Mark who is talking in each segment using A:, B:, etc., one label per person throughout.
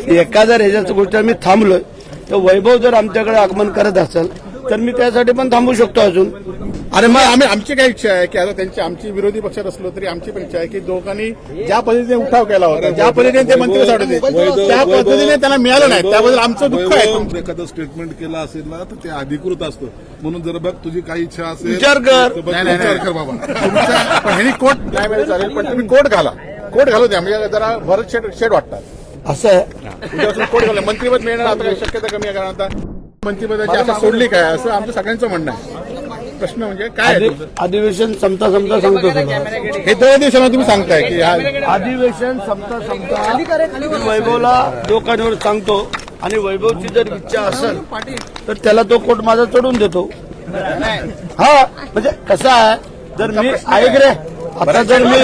A: एका जर ह्याच्याच गोष्ट आम्ही थांबलोय तर वैभव जर आमच्याकडे आगमन करत असेल तर मी त्यासाठी पण थांबू शकतो अजून.
B: आणि मग आमची काय इच्छा आहे की आता आमची विरोधी पक्षात असलो तरी आमची पण इच्छा आहे की दोघांनी ज्या पद्धतीने उठाव केला होता, ज्या पद्धतीने ते मंत्री सोडले त्या पद्धतीने त्यांना मिळालं नाही, त्याबद्दल आमचं दुःख आहे.
C: एखादं स्टेटमेंट केलं असेल ना तर ते अधिकृत असतं, म्हणून जर बघ तुझी काही इच्छा असेल
A: विचार कर.
C: विचार कर बाबा.
B: पण ह्यांनी कोर्ट नाही मिळेल चालेल, पण तुम्ही कोर्ट घालू द्या, म्हणजे जरा भरत शेड वाटतात
A: असं आहे.
B: उद्यापासून कोर्ट घालू. मंत्रिपद मिळणार आता काही शक्यता कमी आहे, कारण आता मंत्रिपदाची आशा सोडली काय असं आमचं सगळ्यांचं म्हणणं आहे. प्रश्न म्हणजे काय आहे
A: अधिवेशन संपता सांगतो तुला.
B: हे 2 दिवसांना तुम्ही सांगताय की
A: अधिवेशन संपता वैभवला लोकांवर सांगतो आणि वैभवची जर इच्छा असेल तर त्याला तो कोर्ट माझा चढून देतो. हा म्हणजे कसं आहे, जर मी ऐक रे आता जर मी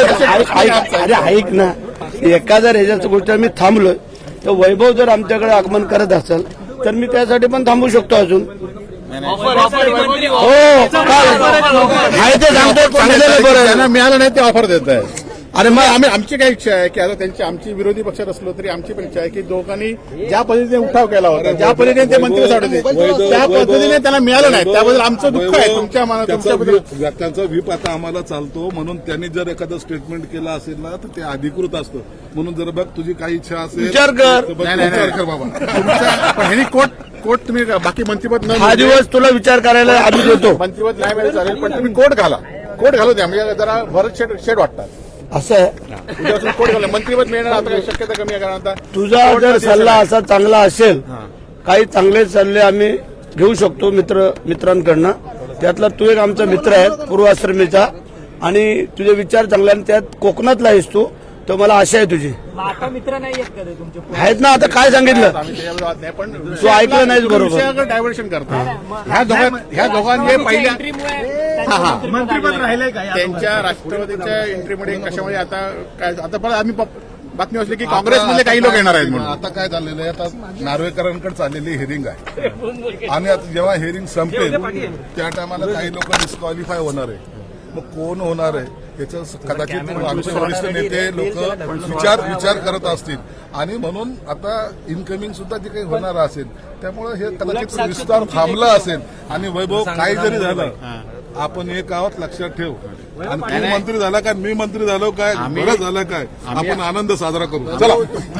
A: ऐक ना, एका जर ह्याच्याच गोष्ट मी थांबलोय तर वैभव जर आमच्याकडे आगमन करत असेल तर मी त्यासाठी पण थांबू शकतो अजून. हो आहे ते सांगतो, सांगितलेलं बरं.
B: त्यांना मिळालं नाही ते ऑफर देत आहे. आणि मग आमची काय इच्छा आहे की आता आमची विरोधी पक्षात असलो तरी आमची पण इच्छा आहे की दोघांनी ज्या पद्धतीने उठाव केला होता, ज्या पद्धतीने ते मंत्री सोडले त्या पद्धतीने त्यांना मिळालं नाही, त्याबद्दल आमचं दुःख आहे.
C: त्यांचा व्हीप आता आम्हाला चालतो, म्हणून त्यांनी जर एखादं स्टेटमेंट केलं असेल ना तर ते अधिकृत असतं, म्हणून जर बघ तुझी काही इच्छा असेल
A: विचार कर.
C: विचार कर बाबा.
B: पण ह्यांनी कोर्ट तुम्ही बाकी मंत्रिपद
A: हा दिवस तुला विचार करायला आम्ही देतो.
B: मंत्रिपद नाही मिळेल चालेल, पण तुम्ही कोर्ट घालू द्या, म्हणजे जरा भरत शेड वाटतात.
A: असं आहे.
B: उद्यापासून कोर्ट घालू. मंत्रिपद मिळणार आता काही शक्यता कमी आहे, कारण आता
A: तुझा जर सल्ला असा चांगला असेल, काही चांगले सल्ले आम्ही घेऊ शकतो मित्रांकडनं. त्यातला तू एक आमचा मित्र आहे पूर्वाश्रमीचा आणि तुझे विचार चांगले, आणि त्यात कोकणातला आहेस तू, तर मला आशा आहे तुझी.
D: आता मित्र नाही आहेत का तुमचे?
A: आहेत ना. आता काय सांगितलं
B: पण
A: तू ऐकलं नाहीस बरोबर.
B: डायव्हर्शन करता ह्या दोघांचे पहिल्या
D: मंत्रिपद राहिलंय का?
B: त्यांच्या राष्ट्रवादीच्या एंट्रीमुळे कशामुळे आता काय आता परत आम्ही बातमी असली की काँग्रेसमधले काही लोक येणार आहेत म्हणून.
C: आता काय झालेलं आहे, आता नार्वेकरांकडे चाललेली हिअरिंग आहे आणि आता जेव्हा हिअरिंग संपेल त्या टायमाला काही लोक डिस्क्वालिफाय होणार आहे. मग कोण होणार आहे याचं कदाचित आमचे वरिष्ठ नेते लोक विचार करत असतील, आणि म्हणून आता इनकमिंग सुद्धा जे काही होणार असेल त्यामुळे हे कदाचित विस्तार थांबला असेल. आणि वैभव काही जरी झालं, आपण एक आहोत लक्षात ठेव. आणि तू मंत्री झाला काय, मी मंत्री झालो काय, बरं झालं काय, आपण आनंद साजरा करू. चला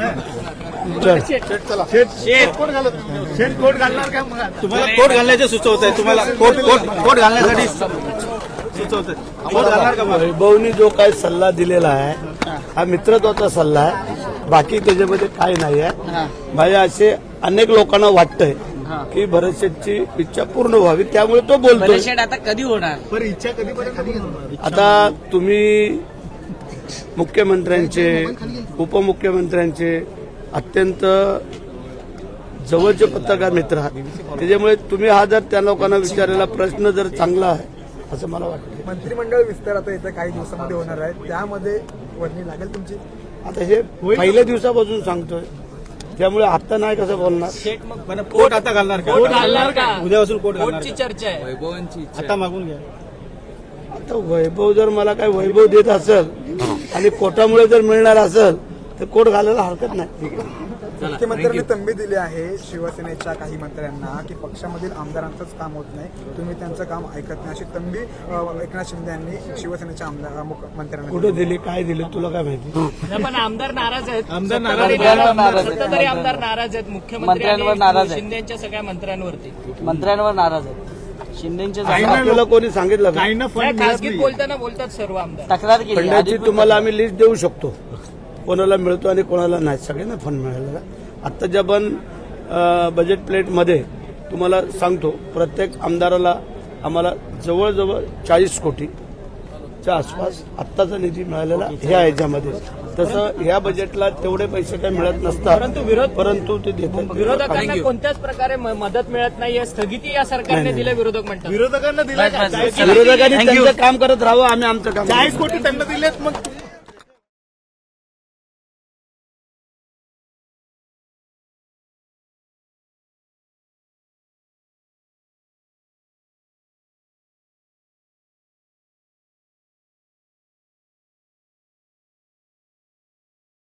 D: कोर्ट घालणार का?
E: तुम्हाला कोर्ट घालण्याचे सुचवत आहे, तुम्हाला कोर्ट घालण्यासाठी सुचवत आहे.
A: वैभवनी जो काही सल्ला दिलेला आहे हा मित्रत्वाचा सल्ला आहे, बाकी त्याच्यामध्ये काही नाही आहे. माझ्या असे अनेक लोकांना वाटतंय की भरत शेठची इच्छा पूर्ण व्हावी, त्यामुळे तो बोलतो.
D: आता कधी होणार?
E: इच्छा कधी
A: आता तुम्ही मुख्यमंत्र्यांचे उपमुख्यमंत्र्यांचे अत्यंत जवळचे पत्रकार मित्र आहात, त्याच्यामुळे तुम्ही हा जर त्या लोकांना विचारलेला प्रश्न जर चांगला आहे असं मला वाटतं.
F: मंत्रिमंडळ विस्तार आता येत्या काही दिवसामध्ये होणार आहे, त्यामध्ये वर्णी लागेल तुमची.
A: आता हे पहिल्या दिवसापासून सांगतोय, त्यामुळे आता नाही कसं बोलणार.
E: कोर्ट आता घालणार का? उद्यापासून कोर्ट घालणार
D: कोर्टची चर्चा आहे. वैभवांची
E: आता मागून घ्या.
A: आता वैभव जर मला काही वैभव देत असेल आणि कोर्टामुळे जर मिळणार असेल तर कोर्ट घालायला हरकत नाही.
F: मुख्यमंत्र्यांनी तंबी दिली आहे शिवसेनेच्या काही मंत्र्यांना की पक्षामधील आमदारांचंच काम होत नाही, तुम्ही त्यांचं काम ऐकत नाही, अशी तंबी एकनाथ शिंदे यांनी शिवसेनेच्या मंत्र्यांना
A: कुठे दिली, काय दिलं तुला काय माहिती.
D: पण आमदार नाराज आहेत.
E: आमदार
D: सत्ताधारी आमदार नाराज आहेत. मुख्यमंत्र्यांवर नाराज आहेत. शिंदेच्या सगळ्या मंत्र्यांवर
G: नाराज आहेत. शिंदेच्या
A: आपल्याला कोणी सांगितलं का?
D: खासगीत बोलतात सर्व आमदार.
G: तक्रार केली.
A: फंडाची तुम्हाला आम्ही लिस्ट देऊ शकतो, कोणाला मिळतो आणि कोणाला नाही. सगळ्यांना फंड मिळालेला. आत्ताच्या पण बजेट प्लेटमध्ये तुम्हाला सांगतो, प्रत्येक आमदाराला आम्हाला जवळजवळ 40 कोटीच्या आसपास आत्ताचा निधी मिळालेला ह्या ह्याच्यामध्ये. तसं ह्या बजेटला तेवढे पैसे काही मिळत नसतात, परंतु ते देतात.
D: विरोधकांना कोणत्याच प्रकारे मदत मिळत नाहीये, स्थगिती या सरकारने दिलं विरोधक म्हणतात.
E: विरोधकांना दिलं.
A: विरोधकांनी त्यांचं काम करत राहावं, आम्ही आमचं काम.
E: 40 कोटी त्यांना दिलेत, मग